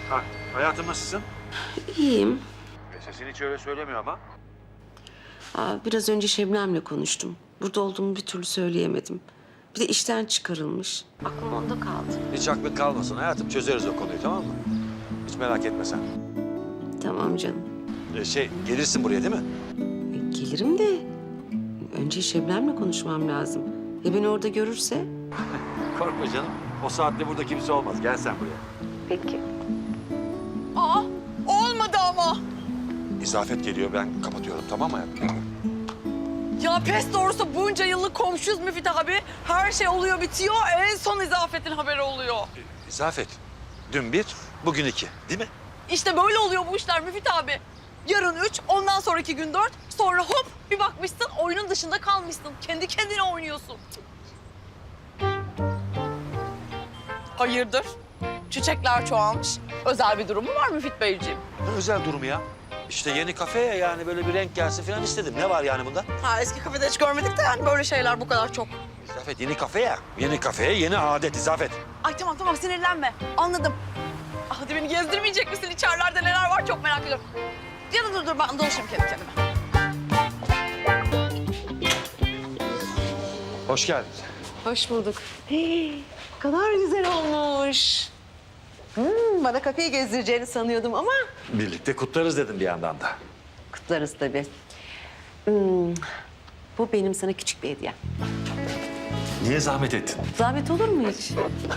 Ha, hayatım nasılsın? İyiyim. Sesin hiç öyle söylemiyor ama. Biraz önce Şebnem'le konuştum. Burada olduğumu bir türlü söyleyemedim. Bir de işten çıkarılmış. Aklım onda kaldı. Hiç aklın kalmasın hayatım. Çözeriz o konuyu, tamam mı? Hiç merak etme sen. Tamam canım. Gelirsin buraya değil mi? Gelirim de önce Şebnem'le konuşmam lazım. Ya beni orada görürse? Korkma canım. O saatte burada kimse olmaz. Gel sen buraya. Peki. Aa, olmadı ama. İzafet geliyor. Ben kapatıyorum. Tamam mı hayatım? Ya pes doğrusu bunca yıllık komşuyuz Müfit abi. Her şey oluyor bitiyor. En son İzafet'in haberi oluyor. İzafet. Dün 1, bugün 2. Değil mi? İşte böyle oluyor bu işler Müfit abi. Yarın 3, ondan sonraki gün 4. Sonra hop bir bakmışsın oyunun dışında kalmışsın. Kendi kendine oynuyorsun. Hayırdır? Çiçekler çoğalmış. Özel bir durum mu var Müfit Beyciğim? Ne özel durumu ya? İşte yeni kafeye yani böyle bir renk gelsin falan istedim. Ne var yani bunda? Ha eski kafede hiç görmedik de yani böyle şeyler bu kadar çok. İzafet yeni kafe ya. Yeni kafeye yeni adet İzafet. Ay tamam sinirlenme. Anladım. Hadi beni gezdirmeyecek misin? İçerilerde neler var çok merak ediyorum. Ya da dur ben dolaşayım kendi kendime. Hoş geldin. Hoş bulduk. Hey, kadar güzel olmuş. Bana kafeyi gezdireceğini sanıyordum ama Birlikte kutlarız dedim bir yandan da. kutlarız tabii. Bu benim sana küçük bir hediyem. Niye zahmet ettin? Zahmet olur mu hiç?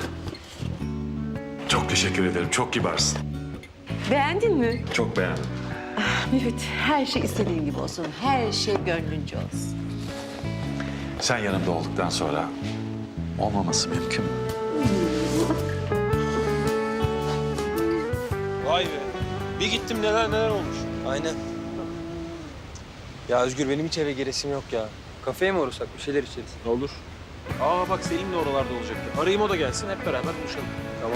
Çok teşekkür ederim. Çok kibarsın. Beğendin mi? Çok beğendim. Müfit, her şey istediğin gibi olsun. Her şey gönlünce olsun. Sen yanımda olduktan sonra olmaması mümkün mü? Vay be. Bir gittim neler olmuş. Aynen. Ya Özgür benim hiç eve giresim yok ya. Kafeye mi uğrasak bir şeyler içeriz? Olur. Aa bak Selim de oralarda olacaktı. Arayayım o da gelsin hep beraber buluşalım. Tamam.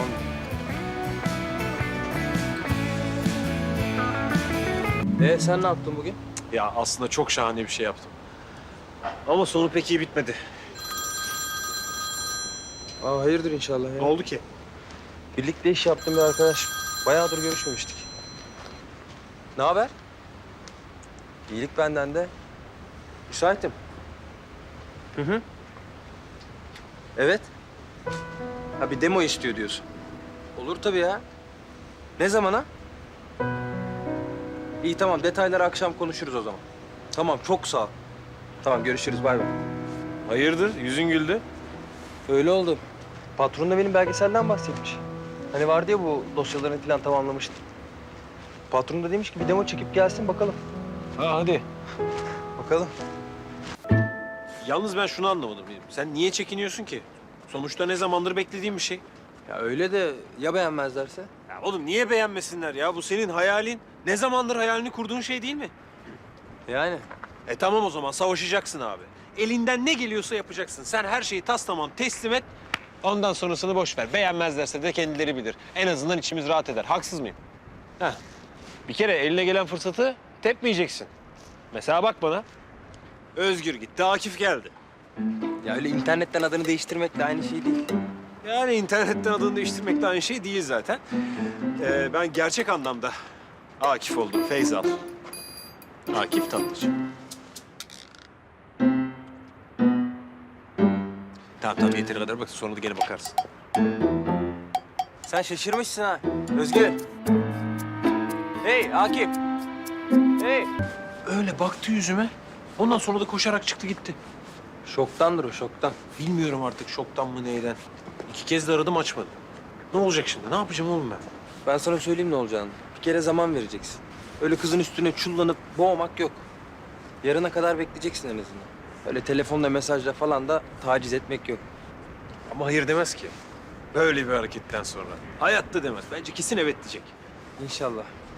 Sen ne yaptın bugün? Ya aslında çok şahane bir şey yaptım. Ama sonu pek iyi bitmedi. Hayırdır inşallah ya. Ne oldu ki? Birlikte iş yaptığım bir arkadaş. Bayağıdır görüşmemiştik. Ne haber? İyilik benden de. Müsaitim. Hı. Evet. Ha bir demo istiyor diyorsun. Olur tabii ya. Ne zamana? İyi tamam detayları akşam konuşuruz o zaman. Tamam çok sağ ol. Tamam görüşürüz bay bay. Hayırdır? Yüzün güldü. Öyle oldu. Patron da benim belgeselden bahsetmiş. Hani vardı ya bu dosyalarını falan tamamlamıştı. Patron da demiş ki bir demo çekip gelsin bakalım. Ha hadi. Bakalım. Yalnız ben şunu anlamadım. Sen niye çekiniyorsun ki? Sonuçta ne zamandır beklediğim bir şey. Ya öyle de ya beğenmezlerse? Ya oğlum niye beğenmesinler ya? Bu senin hayalin. Ne zamandır hayalini kurduğun şey değil mi? Yani. Tamam o zaman savaşacaksın abi. Elinden ne geliyorsa yapacaksın. Sen her şeyi taslamam teslim et. Ondan sonrasını boş ver. Beğenmezlerse de kendileri bilir. En azından içimiz rahat eder. Haksız mıyım? Heh. Bir kere eline gelen fırsatı tepmeyeceksin. Mesela bak bana. Özgür gitti, Akif geldi. Ya öyle internetten adını değiştirmek de aynı şey değil. Yani internetten adını değiştirmek de aynı şey değil zaten. Ben gerçek anlamda Akif oldum, Feyzal. Akif Tatlıcı. Tamam yeteri kadar bak sonra da gene bakarsın. Sen şaşırmışsın ha. Özgür. Hey Akif. Hey. Öyle baktı yüzüme. Ondan sonra da koşarak çıktı gitti. Şoktandır o şoktan. Bilmiyorum artık şoktan mı neyden. 2 kez de aradım açmadı. Ne olacak şimdi? Ne yapacağım oğlum ben? Ben sana söyleyeyim ne olacağını. Bir kere zaman vereceksin. Öyle kızın üstüne çullanıp boğmak yok. Yarına kadar bekleyeceksin en azından. Öyle telefonla mesajla falan da taciz etmek yok. Ama hayır demez ki. Böyle bir hareketten sonra. Hayatta demez. Bence kesin evet diyecek. İnşallah.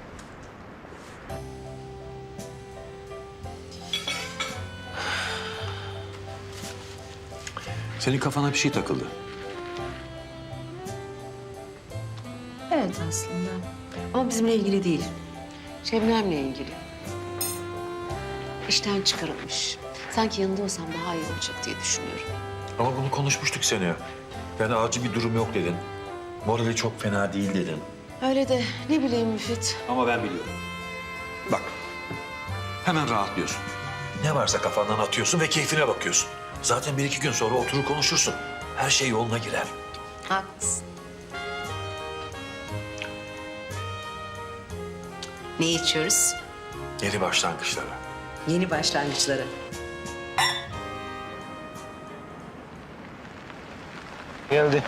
Senin kafana bir şey takıldı. Evet aslında. Ama bizimle ilgili değil. Şebnem'le ilgili. İşten çıkarılmış. Sanki yanında olsam daha iyi olacak diye düşünüyorum. Ama bunu konuşmuştuk seni. Yani acil bir durum yok dedin. Morali çok fena değil dedin. Öyle de ne bileyim Müfit. Ama ben biliyorum. Bak, hemen rahatlıyorsun. Ne varsa kafandan atıyorsun ve keyfine bakıyorsun. Zaten 1-2 gün sonra oturur konuşursun. Her şey yoluna girer. Haklısın. Ne içiyoruz? Yeni başlangıçlara. Yeni başlangıçlara. Geldi.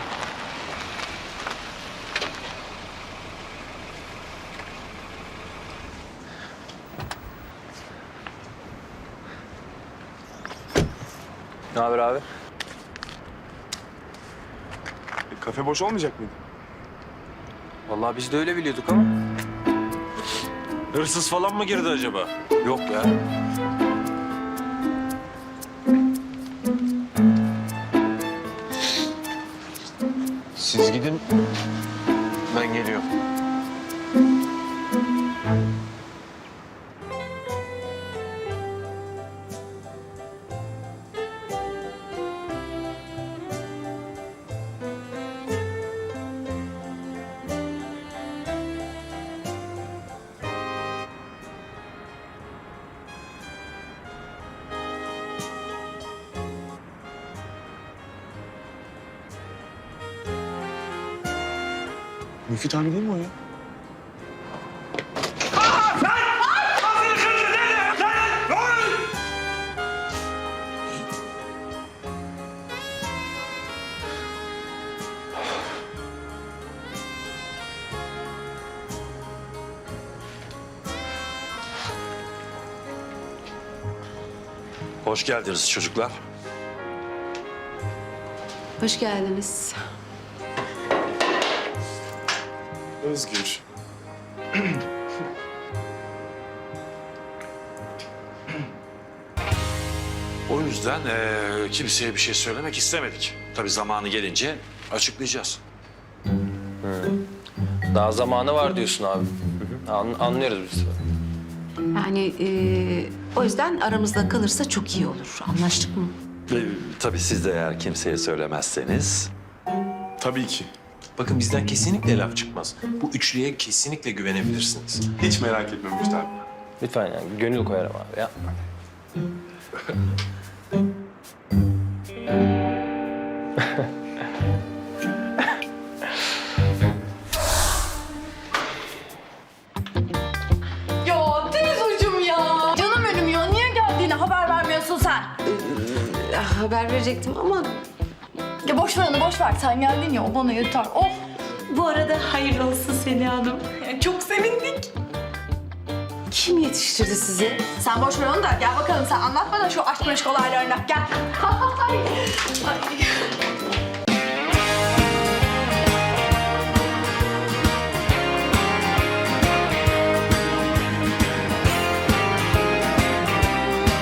Ne haber abi? Kafe boş olmayacak mıydı? Vallahi biz de öyle biliyorduk ama. Hırsız falan mı girdi acaba? Yok ya. Siz gidin. Ben geliyorum. Müfit abi değil mi o ya? Hoş geldiniz çocuklar. Hoş geldiniz. Özgür. O yüzden kimseye bir şey söylemek istemedik. Tabii zamanı gelince açıklayacağız. Daha zamanı var diyorsun abi. Anlıyoruz biz. Yani o yüzden aramızda kalırsa çok iyi olur. Anlaştık mı? Tabii siz de eğer kimseye söylemezseniz. Tabii ki. Bakın bizden kesinlikle laf çıkmaz. Bu üçlüye kesinlikle güvenebilirsiniz. Hiç merak etme Müfit abi. Lütfen yani gönül koyarım abi yapma. Ya Deniz hocam ya. Canım benim ya. Niye geldiğini haber vermiyorsun sen? Haber verecektim ama Ya boş ver onu boş ver. Sen geldin ya o bana yeter. Oh. bu arada hayırlı olsun Seni Hanım. Çok sevindik. Kim yetiştirdi sizi? Sen boş ver onu da gel bakalım sen anlat bana şu aşk meşk olaylarını. Gel. Ay.